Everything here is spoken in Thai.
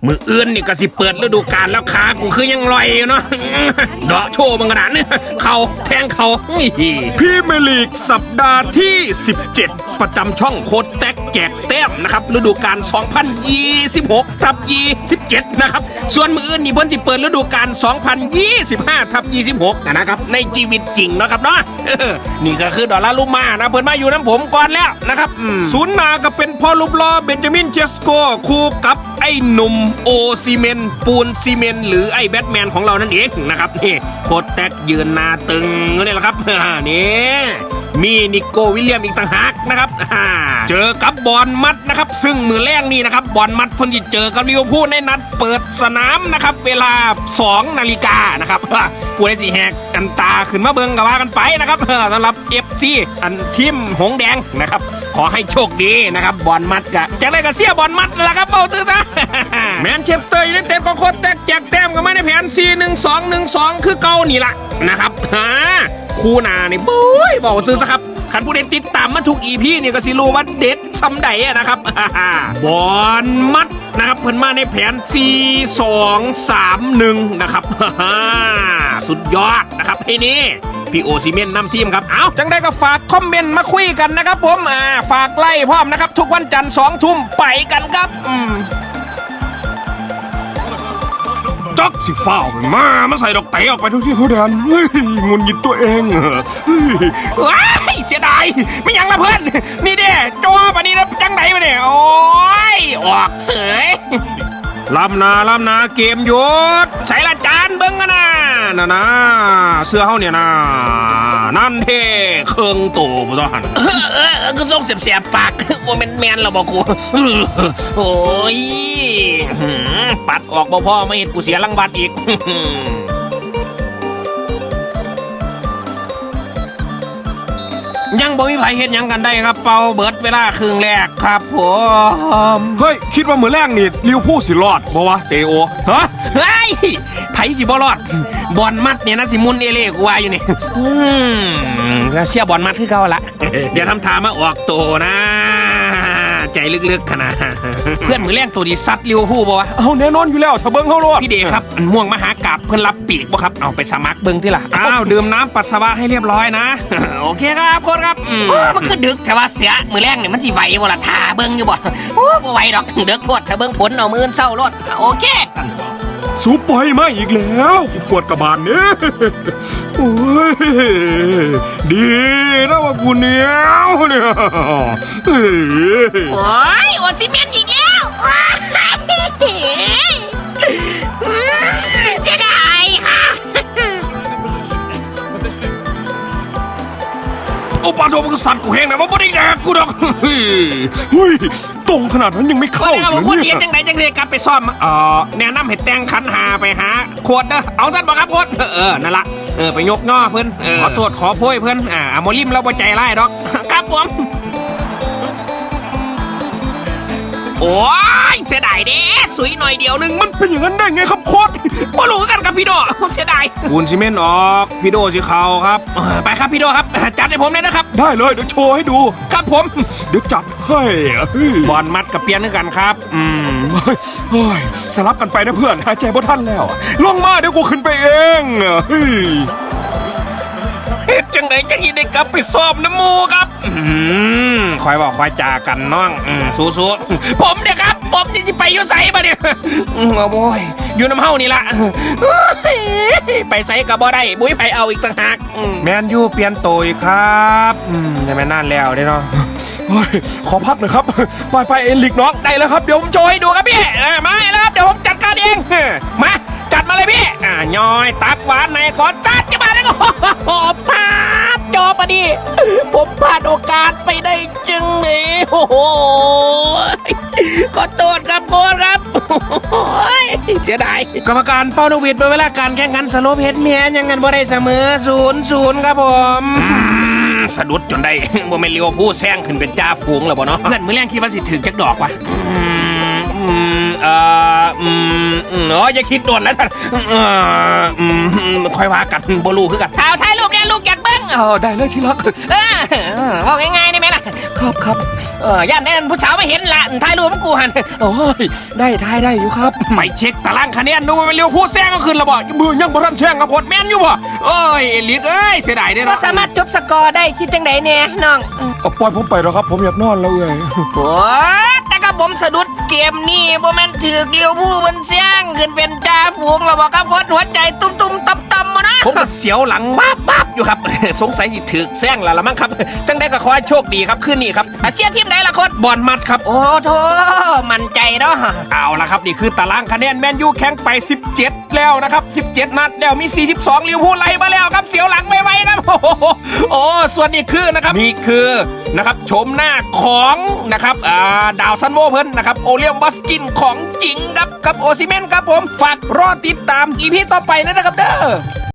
มืออื่นนี่ก็สิเปิดฤดูกาลแล้วขากูคือยังลอยอยู่เนาะเดาะโชว์บังกระดานเนี่ยเขาแทงเขาพรีเมียร์ลีกสัปดาห์ที่ 17 ประจำช่องโคตรแตกแจกแต้มนะครับฤดูกาล 2026/27 นะครับส่วนมืออื่นนี่เพิ่นสิเปิดฤดูกาล 2025/26 นะครับในชีวิตจริงนะครับเนาะนี่ก็คือดอลลาร์ลูมานะเพิ่นมาอยู่น้ำผมก่อนแล้วนะครับศูนย์หน้าก็เป็นพ่อรูปหล่อเบนจามินเชสโกคู่กับไอ้หนุ่มโอซีเมนปูนซีเมนหรือไอ้แบทแมนของเรานั่นเองนะครับนี่โคตรแตกยืนหน้าตึงนี่แหละครับนี่มีนิโก้วิลเลียมอีกต่างหากนะครับเจอกับบอลมัดนะครับซึ่งมือแรกนี่นะครับบอลมัดเพิ่นจะเจอกับลิเวอร์พูลในนัดเปิดสนามนะครับเวลา 2 นาฬิกานะครับผู้ใดสิแหกกันตาขึ้นมาเบิ่งก็ว่ากันไปนะครับสำหรับ FC อันทีมหงแดงนะครับขอให้โชคดีนะครับบอลมัดกะจากได้ก็เสียบอลมัดนั่นแหละครับเบาตื้อซะแมนเชสเตอร์ยูไนเต็ดก็โคตรแตกแจกแต้มกันมาในแผน 4-1-2-1-2 คือเก่านี่ล่ะนะครับคู่หน้านี่โอ้ยบอกซื้อซะครับขันผู้เด็ดติดตามมาทุก EP นี่ก็สิรู้ว่าเด็ดซ้ำใดนะครับบอลมัดนะครับเพิ่นมาในแผน 4-2-3-1 นะครับสุดยอดนะครับไอ้นี่พี่โอซิเมนนำทีมครับเอาจังได้ก็ฝากคอมเมนต์มาคุยกันนะครับผมฝากไล่พร้อมนะครับทุกวันจันทร์ 2 ทุ่มไปกันครับจ็อกสิฟ้าวมาใส่ดอกเต๋ออกไปทุกที่เขาแดนเฮ้ยงุนหงิดตัวเองว้ายเสียดายไม่ยังละเพื่อนนี่เด้โจ้ปะนี่นะจังไหนมาเนี่ยโอ้ยออกเสยลำนาเกมหยุดใส่ละจานเบิ้งกันนะเสื้อเขาเนี่ยนะนั่นเท่เครื่องโตบ่ต้องหันก็ส่งเสียบปากว่าแมนเราบอกกูโอ้ยปัดออกบ่พ่อไม่เห็นกูเสียรางวัลอีกยังบ่มีไผเฮ็ดยังกันได้ครับเป่าเบิดเวลาครึ่งแรกครับผมเฮ้ยคิดว่ามื้อแรกนี่ลิเวอร์พูลสิรอดบ่วะเตโอฮะเฮ้ยไผสิบ่รอดบอลมัดเนี่ยนะสิมุนเอเล่กูว่าอยู่นี่ก็เชียร์บอลมัดคือเก่าละเดี๋ยวทำท่ามาออกโตนะใจลึกๆขนาดเพื่อนมือแรงตัวดีซัดลิเวอร์พูลบ่วะเอาแน่นอนอยู่แล้วถ้าเบิ่งเฮาโลดพี่เดครับม่วงมหากาพย์เพิ่นรับปีกบ่ครับเอาไปสมัครเบิ่งที่ล่ะอ้าวดื่มน้ำปัสสาวะให้เรียบร้อยนะโอเคครับโค้ชครับมันคือดึกแต่ว่าเสียมือแรงเนี่ยมันสิไหวบ่ล่ะท่าเบิ่งอยู่บ่บ่ไหวดอกดึกโพดถ้าเบิ่งผลเอามื้อเช้ารถโอเคสูบไปมาอีกแล้วกูปวดกระบาลเนี่ยโอ้ยดีนะว่ากูเหนียวเนี่ยโอ้ยโอซิเมนอีกแล้วเสียดายค่ะโอ้ปาโทมันก็สั่นกูแห้งนะว่าบ่ได้แดกกูดอกเฮ้ยตรงขนาดนั้นยังไม่เข้าเลยเนี่ยคนเย็นจังไหนจังเลยกลับไปซ่อมแนะนำให้แต่งขันหาไปหาขวดนะเอาท่านบอกครับขวดนั่นละไปยกย่อเพื่อนขอโทษขอโพยเพื่อนโมลิมเราบ่ใจร้ายดอกครับผมโอ้ยเสียดายเด้สวยหน่อยเดียวนึงมันเป็นอย่างนั้นได้ไงครับโค้ชบ่รู้กันครับพี่โดเสียดายปูนซีเมนต์ออกพี่โดสิเขาครับไปครับพี่โดครับจัดให้ผมเลยนะครับได้เลยเดี๋ยวโชว์ให้ดูครับผมเดี๋ยวจัดให้บอลมัดกับเปียนด้วยกันครับเฮ้ยสลับกันไปนะเพื่อนหายใจบ่ทันแล้วลงมาเดี๋ยวกูขึ้นไปเองเฮ็ดจังไดจังอีได้กลับไปซ้อมน้ำมูครับคอยบอกคอยจากันน้องสู้ๆผมเนี่ยครับผมนี่จะไปอยู่ไสบ่เนี่ยโอ้ยอยู่น้ำเฮานี่ละไปไสก็บ่ได้บุ้ยไผเอาอีกต่างหากแมนยูเปลี่ยนตัวอีกครับได้แม่นานแล้วเด้เนาะขอพักหน่อยครับไปเอ็นลิกน้องได้แล้วครับเดี๋ยวผมโชว์ให้ดูครับพี่มาแล้วครับเดี๋ยวผมจัดการเองมาจัดมาเลยพี่ย่อยตักหวานในก่อนจัดจะมาได้ก็พลาดจอปะดิผมพลาดโอกาสไปได้จึงนี่โอ้โหขอโทษครับโค้ชครับเสียดายกรรมการเป้าโนวิดเป็นเวลาการแข่งขันสโลปเฮดเมียยังกันบ่ได้เสมอ 0-0 ครับผมสะดุดจนได้บ่แม่นลิเวอร์พูลแซงขึ้นเป็นจ่าฝูงแล้วบ่เนาะเงินมื้อแรงคิดว่าสิถึงจักดอกวะอย่าคิดโดนแล้วท่านค่อยว่ากันบ่รู้คือกันข่าวถ่ายรูปเนี่ยลูกอยากเบิ้งได้เลยที่รักว่าง่ายๆได้ไหมล่ะครับย่านได้ผู้สาวไม่เห็นละถ่ายรูปมันกูหันโอ้ยได้อยู่ครับไปเช็คตารางคะแนนดูว่าเป็นเร็วผู้แซงก็ขึ้นแล้วบ่มือยังบ่ทันแซงกับพดแม่นอยู่บ่เอ้ยเอลิกเอ้ยเสียดายเด้ก็เนาะสามารถจบสกอร์ได้คิดจังไดเนี่ยน้องปล่อยผมไปแล้วครับผมอยากนอนแล้วเอ้ยโอ้แต่ก็ผมสะดุดเกมนี่บ่แม่นถือเลี้ยวผู้บนเสียงขึ้นเป็นจ่าฝูงแล้วบอกครับพดหัวใจตุ้มๆต่ำๆมานะผมก็เสียวหลังปั๊บอยู่ครับ สงสัยสิถึกแซงแล้วละมั้งครับจังได้ก็ขอให้โชคดีครับคืนนี้ครับเชียร์ทีมไหนล่ะโคตรบอลมัดครับโอ้โถมั่นใจเนาะเอาละครับนี่คือตารางคะแนนแมนยูแข่งไป 17 แล้วนะครับ17 นัดแล้วมี 42ลิเวอร์พูลไล่มาแล้วครับเสียวหลังไม่ไหวครับโอ้ส่วนนี้คือนะครับนี่คือนะครับโฉมหน้าของนะครับดาวซันโวเพิ่นนะครับโอเลียมบัสกินของจริงครับกับโอซิเมนครับผมฝากรอติดตามอีพีต่อไปนะครับเด้อ